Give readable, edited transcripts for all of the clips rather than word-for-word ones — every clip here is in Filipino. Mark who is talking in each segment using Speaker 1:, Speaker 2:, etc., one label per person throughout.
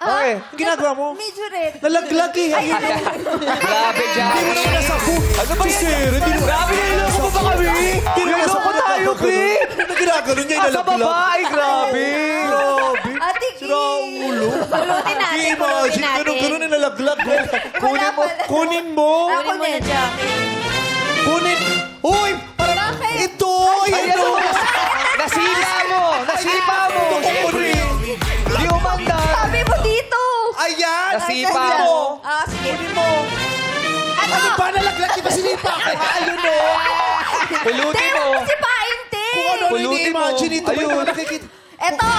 Speaker 1: Okay.
Speaker 2: Ang ginagawa mo?
Speaker 3: Medyo red.
Speaker 2: Nalaglag eh.
Speaker 3: Ayun na.
Speaker 1: Grabe,
Speaker 2: Hindi mo
Speaker 1: Jackie.
Speaker 2: naman nasapu.
Speaker 1: Ano ba yan?
Speaker 2: Sir, hindi mo.
Speaker 1: Grabe, niloloko mo ba kami? Niloloko tayo, Pri.
Speaker 2: Ano ginagano niya?
Speaker 1: Sa
Speaker 2: Nalaglag.
Speaker 1: baba, ay grabe.
Speaker 2: Grabe.
Speaker 3: Ate Kim.
Speaker 2: Sira ang ulo.
Speaker 3: Pulutin natin, pulutin
Speaker 2: Imagine,
Speaker 3: natin.
Speaker 2: ganun-ganun yung nalaglag.
Speaker 3: Wala pala.
Speaker 2: Kunin mo.
Speaker 3: Ako na, Jackie.
Speaker 2: Kunin. Uy!
Speaker 3: Bakit?
Speaker 2: Ito!
Speaker 1: Ayan
Speaker 2: Ito!
Speaker 1: o. Nasipa mo. Nasipa mo.
Speaker 2: Kunin.
Speaker 1: Di umandar.
Speaker 3: Sabi mo dito.
Speaker 2: Ayan!
Speaker 1: Nasipa
Speaker 2: Kunin
Speaker 1: mo.
Speaker 3: Ah, sige.
Speaker 2: Kunin mo. Ano ba nalaglag? Di ba sinipa ko? Ayun o.
Speaker 1: Pulutin
Speaker 3: Hindi
Speaker 1: mo.
Speaker 3: mo si Painte.
Speaker 2: Kung ano
Speaker 1: Pulutin mo.
Speaker 2: ini-imagine ito.
Speaker 1: Ayun.
Speaker 2: Ayun. Nakikita.
Speaker 3: Eto.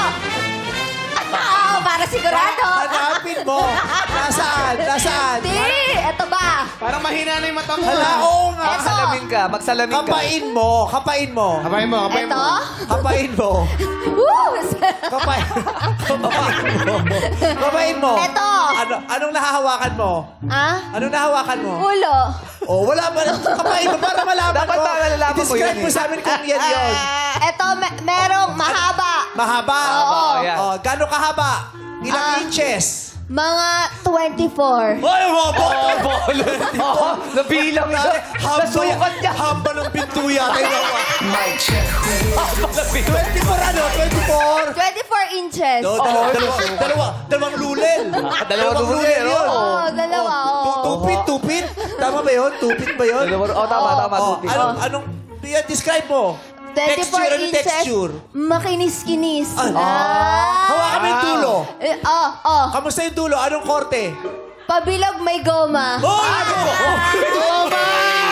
Speaker 3: Para sigurado.
Speaker 2: Hanapin mo. Nasaan? Nasaan?
Speaker 3: Hindi. Eto ba?
Speaker 4: Parang mahina na yung mata mo.
Speaker 2: Hala, oo nga.
Speaker 3: Eto.
Speaker 1: Magsalamin ka. Magsalamin ka.
Speaker 2: Kapain mo. Kapain mo.
Speaker 4: Kapain mo, kapain mo.
Speaker 3: Eto.
Speaker 2: Kapain mo.
Speaker 3: Woo!
Speaker 2: Kapain. Kapain mo. Kapain mo.
Speaker 3: Eto.
Speaker 2: Anong nahahawakan mo?
Speaker 3: Ah?
Speaker 2: Anong nahahawakan mo?
Speaker 3: Ulo.
Speaker 2: Oh, wala ba? Kapain mo para malaman
Speaker 1: Dapat
Speaker 2: mo.
Speaker 1: ba malalaman mo
Speaker 2: I-describe
Speaker 1: yun
Speaker 2: mo
Speaker 1: eh.
Speaker 2: sa amin kung yan yun.
Speaker 3: Eto, merong mahaba.
Speaker 2: Mahaba.
Speaker 3: Oo.
Speaker 1: Ayan.
Speaker 2: Oh, gano'ng kahaba? Ilang inches?
Speaker 3: Mga 24.
Speaker 2: Ay, mahaba.
Speaker 1: Oh, bolo. Oo, nabilang na. Nasukat niya.
Speaker 2: Hamba ng pinto yata.
Speaker 1: Mic check.
Speaker 2: 24 ano? 24?
Speaker 3: 24 inches.
Speaker 2: No, dalawang lulel.
Speaker 1: Dalawang lulel,
Speaker 2: yun.
Speaker 1: oo.
Speaker 3: Oo, dalawa. Oo.
Speaker 2: Tupit. Tama ba yun? Tupit ba yun?
Speaker 1: Oh, tama.
Speaker 2: Oh,
Speaker 1: Tupi.
Speaker 2: anong, describe mo?
Speaker 3: 24
Speaker 2: Texture, anong
Speaker 3: inches.
Speaker 2: texture?
Speaker 3: Makinis-kinis.
Speaker 2: Hawakan mo yung dulo.
Speaker 3: Oh.
Speaker 2: Kamusta yung dulo? Anong korte?
Speaker 3: Pabilog may goma.
Speaker 2: Oh!
Speaker 4: Toma!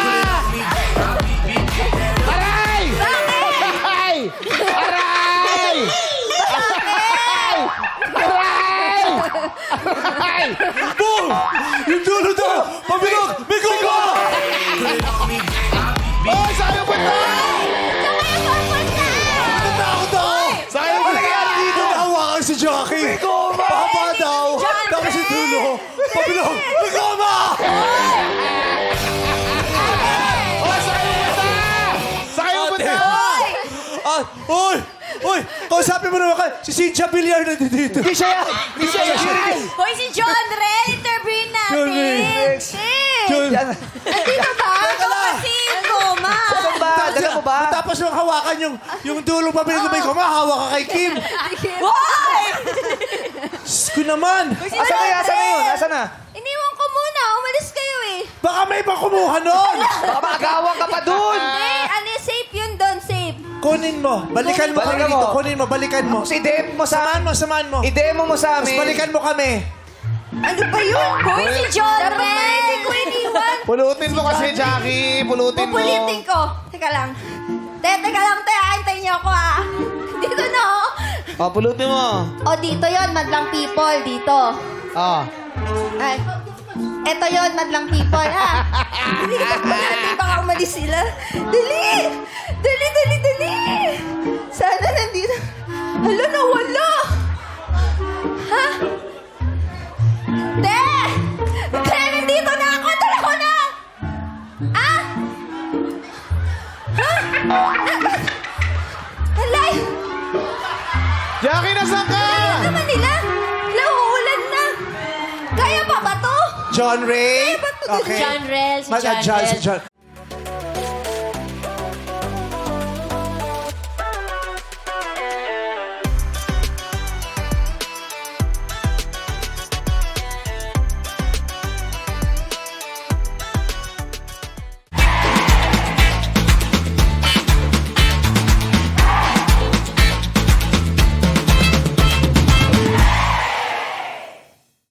Speaker 4: Aray! Aray! Aray! Aray!
Speaker 2: Boom! Yung dulo daw! Pabilog! May goma!
Speaker 4: Oh, sayang ba ito?
Speaker 2: Natakot ako!
Speaker 4: Sayang ba ito?
Speaker 2: Dito nahawakan si Jackie! May goma! Pahaba daw! Tapos yung dulo! Pabilog! May goma!
Speaker 4: Oh, sayang ba ito? Sayang ba ito?
Speaker 2: Uy! Uy! Kausapin mo naman ka! Si Cynthia Villar na dito!
Speaker 1: Hindi siya yan. Hindi siya yan.
Speaker 3: Hoy, si John Rel, interviewin natin.
Speaker 2: John Rel. John!
Speaker 3: Andito ba?
Speaker 2: Teka lang.
Speaker 3: Kasi goma.
Speaker 1: Saan ba? Dala mo ba?
Speaker 2: Tapos nung hawakan yung dulong pabilog na may goma, hawak ka kay Kim!
Speaker 3: Hoy!
Speaker 2: Diyos ko naman!
Speaker 1: Asan na yun? Asan na?
Speaker 3: Iniwan ko muna. Umalis kayo eh.
Speaker 2: Baka may iba kumuha nun!
Speaker 1: Baka maagawan ka pa dun.
Speaker 3: Hindi, safe yun doon, safe.
Speaker 2: Kunin mo. Balikan mo kami
Speaker 1: Balikan
Speaker 2: dito.
Speaker 1: mo.
Speaker 2: Kunin mo. Balikan mo.
Speaker 1: Tapos i-DM mo sa...
Speaker 2: Samahan mo.
Speaker 1: I-demo mo sa
Speaker 2: Tapos
Speaker 1: amin.
Speaker 2: balikan mo kami.
Speaker 3: Ano ba yun? Hoy, si John Rel. Hindi ko iniwan.
Speaker 4: Pulutin mo kasi, Jackie. Pulutin mo.
Speaker 3: Pupulitin ko. Teka lang. Teka lang, antayin niyo ako ah. Dito na oh.
Speaker 4: Oh, pulutin mo.
Speaker 3: O, dito yon madlang people. Dito.
Speaker 4: Oh.
Speaker 3: Ay. Eto yon madlang people ha. Dilipat mo natin, baka umalis sila. Dali! Dali! Sana nandito. Hala, nawala. Ha? Te! Nandito na ako! Dala ko na! Ah? Ha? Halay!
Speaker 4: Jackie, nasan ka?
Speaker 3: Ano naman nila? Lauulan na. Kaya pa ba to?
Speaker 2: John Ray.
Speaker 3: John Rel, si
Speaker 2: Si John.